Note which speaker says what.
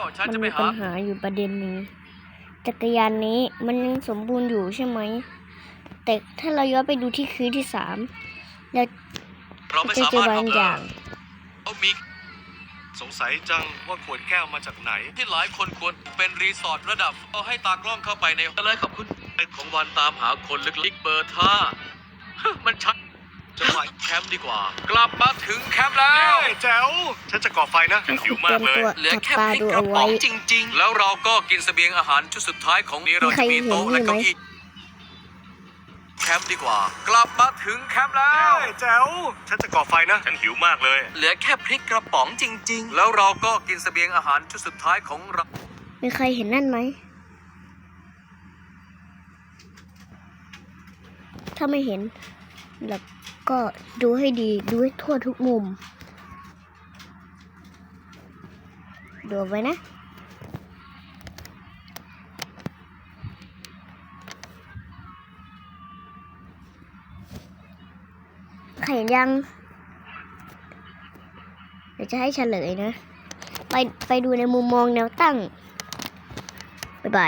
Speaker 1: ฉัน
Speaker 2: มัน
Speaker 1: จะไป
Speaker 2: มีปั
Speaker 1: หา
Speaker 2: ญหาอยู่ประเด็นหนึ่งจักรยานนี้มันยังสมบูรณ์อยู่ใช่ไหมแต่ถ้าเราย้อนไปดูที่คืนที่3แล้ว
Speaker 1: เราไม่
Speaker 2: จะ
Speaker 1: สา
Speaker 2: เจอ
Speaker 1: มารถ
Speaker 2: บางอย่าง
Speaker 1: เอามี
Speaker 3: สงสัยจังว่าขวดแก้วมาจากไหน
Speaker 1: ที่หลายคนควรเป็นรีสอร์ทระดับเอาให้ตากล้องเข้าไปในเลยขอบคุณเป็นของวันตามหาคนลึกๆเบอร์ท่า มันชัดจะไปแคมป์ดีกว่า กลับมาถึงแคมป์แล้ว
Speaker 3: แจ๋วฉันจะก่อไฟนะฉันหิวมากเลย
Speaker 1: เหลือแค่
Speaker 2: จับตา
Speaker 1: พริก
Speaker 2: ดู
Speaker 1: กระ
Speaker 2: เอา
Speaker 1: ป๋
Speaker 2: ไว้
Speaker 1: องจริง ๆ แล้วเราก็กินเสบียงอาหารชุดสุดท้ายของนี้เราจะมีโต๊ะและเก้าอี้แคมป์ดีกว่า กลับมาถึงแคมป์แล้ว
Speaker 3: แจ๋วฉันจะก่อไฟนะฉันหิวมากเลย
Speaker 1: เหลือแค่พริกกระป๋องจริง ๆ แล้วเราก็กินเสบียงอาหารชุดสุดท้ายของเรา
Speaker 2: มีใครเห็นนั่นไหมถ้าไม่เห็นแล้วก็ดูให้ดีดูให้ทั่วทุกมุมดูไว้นะใครเห็นยัง เดี๋ยวจะให้เฉลยนะ ไปดูในมุมมองแนวตั้ง